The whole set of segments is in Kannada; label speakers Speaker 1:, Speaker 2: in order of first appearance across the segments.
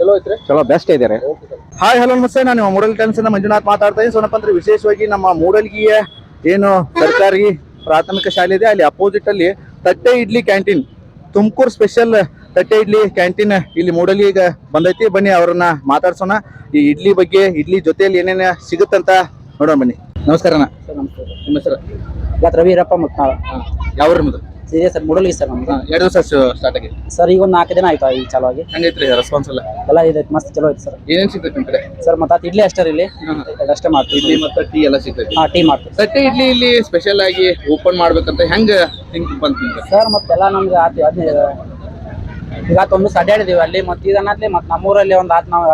Speaker 1: ಚಲೋ ಐತ್ರಿ,
Speaker 2: ಚಲೋ ಬೆಸ್ಟ್ ಇದೆ. ಹಾಯ್ ಹಲೋ ನಮಸ್ತೆ, ನಾನು ನಿಮ್ಮ ಮೂಡಲ್ ಟೈಮ್ಸ್ ಮಂಜುನಾಥ್ ಮಾತಾಡ್ತಾ ಇದ್ದೀನಿ. ಸೋನಪ್ಪ ಅಂದ್ರೆ ವಿಶೇಷವಾಗಿ ನಮ್ಮ ಮೂಡಲ್ಗಿಯ ಏನು ಸರ್ಕಾರಿ ಪ್ರಾಥಮಿಕ ಶಾಲೆ ಇದೆ, ಅಲ್ಲಿ ಅಪೋಸಿಟ್ ಅಲ್ಲಿ ತಟ್ಟೆ ಇಡ್ಲಿ ಕ್ಯಾಂಟೀನ್, ತುಮಕೂರು ಸ್ಪೆಷಲ್ ತಟ್ಟೆ ಇಡ್ಲಿ ಕ್ಯಾಂಟೀನ್ ಇಲ್ಲಿ ಮೂಡಲ್ಗಿಗೆ ಬಂದೈತಿ. ಬನ್ನಿ ಅವ್ರನ್ನ ಮಾತಾಡ್ಸೋಣ, ಈ ಇಡ್ಲಿ ಬಗ್ಗೆ, ಇಡ್ಲಿ ಜೊತೆಯಲ್ಲಿ ಏನೇನು ಸಿಗುತ್ತಂತ ನೋಡೋಣ ಬನ್ನಿ. ನಮಸ್ಕಾರ ಅಣ್ಣ, ನಿಮ್ಮ ಹೆಸರು?
Speaker 1: ರವಿ ಈರಪ್ಪ ಮತ್ತು
Speaker 2: ಯಾವ ನಿಮ್ಮದು?
Speaker 1: ಸರ್ ಮೂಡಲ್ಗಿ ಸರ್ ನಮ್ದು.
Speaker 2: 2 ದಿವಸ ಸ್ಟಾರ್ಟ್ ಆಗಿದೆ
Speaker 1: ಸರ್, ಈಗ ಒಂದು 4 ದಿನ ಆಯ್ತು ಈ ಚಾಲು ಆಗಿ.
Speaker 2: ಹೆಂಗೈತ್ರಿ ರೆಸ್ಪಾನ್ಸ್ ಎಲ್ಲ?
Speaker 1: ಎಲ್ಲ ಇದೈತೆ, ಮಸ್ತ್ ಚಲೋ ಐತೆ ಸರ್.
Speaker 2: ಏನೇನು ಸಿಗ್ತೈತೆ ನಿಮ್ಮ ಕಡೆ?
Speaker 1: ಸರ್ ಮತ್ತೆ ಇಡ್ಲಿ ಅಷ್ಟೇ ಇಲ್ಲಿ ಅಷ್ಟೇ ಮಾಡ್ತೀವಿ.
Speaker 2: ಇಡ್ಲಿ ಮತ್ತು ಟೀ ಎಲ್ಲ ಸಿಗ್ತೈತಿ?
Speaker 1: ಟೀ ಮಾಡ್ತೀವಿ.
Speaker 2: ತಟ್ಟೆ ಇಡ್ಲಿ ಇಲ್ಲಿ ಸ್ಪೆಷಲ್ ಆಗಿ ಓಪನ್ ಮಾಡ್ಬೇಕಂತ ಹೆಂಗ ಥಿಂಕ್ ಬಂತು ನಿಮ್ಗೆ?
Speaker 1: ಸರ್ ಮತ್ತೆಲ್ಲ ನಮ್ಗೆ ಆತಿ ಈಗ ಒಂದು ಸಡ್ಯಾಡಿದೀವಿ ಅಲ್ಲಿ, ಮತ್ತೆ ಇದನ್ನತ್ಲಿ ಮತ್ತೆ ನಮ್ಮೂರಲ್ಲಿ ಒಂದು ಆತ್ ನಾವು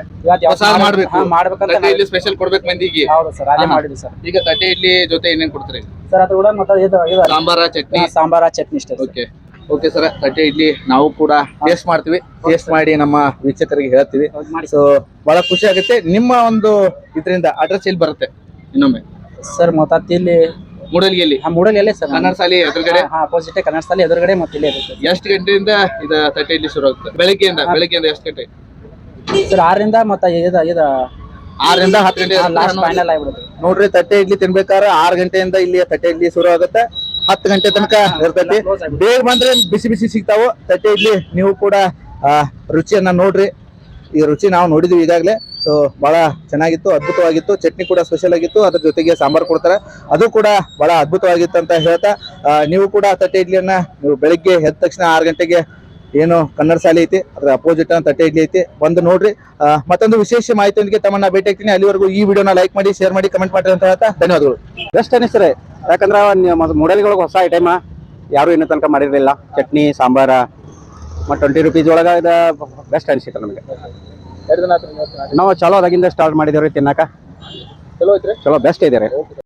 Speaker 1: ಮಾಡ್ಬೇಕಂತ
Speaker 2: ಇಲ್ಲಿ ಸ್ಪೆಷಲ್ ಕೊಡ್ಬೇಕು ಮಂದಿಗೆ.
Speaker 1: ಹೌದು ಸರ್, ಅದೇ ಮಾಡಿದ್ವಿ ಸರ್.
Speaker 2: ಈಗ ತಟ್ಟೆ ಇಡ್ಲಿ ಜೊತೆ ಏನೇನ್ ಕೊಡ್ತೀರಿ
Speaker 1: ಸರ್? ಅದು ಕೂಡ ಮತ್ತೆ ಸಾಂಬಾರ ಚಟ್ನಿ ಇಷ್ಟ.
Speaker 2: ಓಕೆ ಓಕೆ ಸರ್, ತಟ್ಟೆ ಇಡ್ಲಿ ನಾವು ಕೂಡ ಟೇಸ್ಟ್ ಮಾಡ್ತೀವಿ. ಟೇಸ್ಟ್ ಮಾಡಿ ನಮ್ಮ ವೀಕ್ಷಕರಿಗೆ ಹೇಳ್ತೀವಿ. ಸೊ ಬಹಳ ಖುಷಿ ಆಗುತ್ತೆ. ನಿಮ್ಮ ಒಂದು ಇದರಿಂದ ಅಡ್ರೆಸ್ ಎಲ್ಲಿ ಬರುತ್ತೆ ಇನ್ನೊಮ್ಮೆ?
Speaker 1: ಸರ್ ಮತ್ತೆ ಇಲ್ಲಿ
Speaker 2: ಮೂಡಲ್ಗಿಯಲ್ಲಿ
Speaker 1: ಮೂಡಲ್ಗಿಯಲ್ಲೇ ಸರ್,
Speaker 2: ಕನ್ನಡ ಶಾಲೆ ಎದುರುಗಡೆ,
Speaker 1: ಅಪೋಸಿಟ್ ಕನ್ನಡ ಶಾಲೆ ಎದುರುಗಡೆ. ಮತ್ತೆ ಇಲ್ಲಿ
Speaker 2: ಎಷ್ಟು ಗಂಟೆಯಿಂದ ಇದು ತಟ್ಟೆ ಇಡ್ಲಿ ಶುರು ಆಗುತ್ತೆ? ಬೆಳಗ್ಗೆಯಿಂದ ಎಷ್ಟು ಗಂಟೆ
Speaker 1: ಸರ್? 6ರಿಂದ ಮತ್ತೆ
Speaker 2: 6ರಿಂದ 10 ಗಂಟೆ
Speaker 1: ಲಾಸ್ಟ್ ಫೈನಲ್ ಆಗ್ಬಿಡುತ್ತೆ
Speaker 2: ನೋಡ್ರಿ. ತಟ್ಟೆ ಇಡ್ಲಿ ತಿನ್ಬೇಕಾದ್ರೆ 6 ಗಂಟೆಯಿಂದ ಇಲ್ಲಿ ತಟ್ಟೆ ಇಡ್ಲಿ ಶುರು ಆಗುತ್ತೆ, 10 ಗಂಟೆ ತನಕ ಇರ್ತೈತಿ. ಬೇಗ ಬಂದ್ರೆ ಬಿಸಿ ಬಿಸಿ ಸಿಗ್ತಾವು ತಟ್ಟೆ ಇಡ್ಲಿ. ನೀವು ಕೂಡ ರುಚಿಯನ್ನ ನೋಡ್ರಿ. ಈ ರುಚಿ ನಾವು ನೋಡಿದ್ವಿ ಈಗಾಗಲೇ. ಸೊ ಬಹಳ ಚೆನ್ನಾಗಿತ್ತು, ಅದ್ಭುತವಾಗಿತ್ತು. ಚಟ್ನಿ ಕೂಡ ಸ್ಪೆಷಲ್ ಆಗಿತ್ತು, ಅದ್ರ ಜೊತೆಗೆ ಸಾಂಬಾರ್ ಕೊಡ್ತಾರೆ, ಅದು ಕೂಡ ಬಹಳ ಅದ್ಭುತವಾಗಿತ್ತು ಅಂತ ಹೇಳ್ತಾ, ನೀವು ಕೂಡ ತಟ್ಟೆ ಇಡ್ಲಿಯನ್ನ ನೀವು ಬೆಳಿಗ್ಗೆ ಎದ್ದ ತಕ್ಷಣ 6 ಗಂಟೆಗೆ ಏನು ಕನ್ನಡ ಶಾಲೆ ಐತಿ, ಅದ್ರ ಅಪೋಸಿಟ್ ತಟ್ಟೆ ಇಡ್ಲಿ ಐತಿ, ಬಂದು ನೋಡ್ರಿ. ಮತ್ತೊಂದು ವಿಶೇಷ ಮಾಹಿತಿಯೊಂದಿಗೆ ತಮ್ಮನ್ನ ಭೇಟಿ ಆಗ್ತೀನಿ. ಅಲ್ಲಿವರೆಗೂ ಈ ವಿಡಿಯೋನ ಲೈಕ್ ಮಾಡಿ, ಶೇರ್ ಮಾಡಿ, ಕಮೆಂಟ್ ಮಾಡಿ ಅಂತ ಹೇಳ್ತಾ ಧನ್ಯವಾದಗಳು.
Speaker 3: ಬೆಸ್ಟ್ ಅನಿಸ್ತಾರೆ, ಯಾಕಂದ್ರೆ ಮೂಡಲ್ಗಳಿಗೆ ಹೊಸ ಐಟಮ್ ಯಾರು ಇನ್ನೂ ತನಕ ಮಾಡಿರಲಿಲ್ಲ. ಚಟ್ನಿ ಸಾಂಬಾರ ಮತ್ತು 20 ರೂಪೀಸ್ ಒಳಗೆ ಇದು ಬೆಸ್ಟ್ ಅನಿಸಿತ್ತು ನಮಗೆ. ನಾವು ಚಲೋ ಅದಾಗಿಂದ ಸ್ಟಾರ್ಟ್ ಮಾಡಿದೇವ್ರಿ ತಿನ್ನಕ.
Speaker 2: ಚಲೋ ಐತ್ರಿ,
Speaker 3: ಚಲೋ ಬೆಸ್ಟ್ ಇದೆ ರೀ.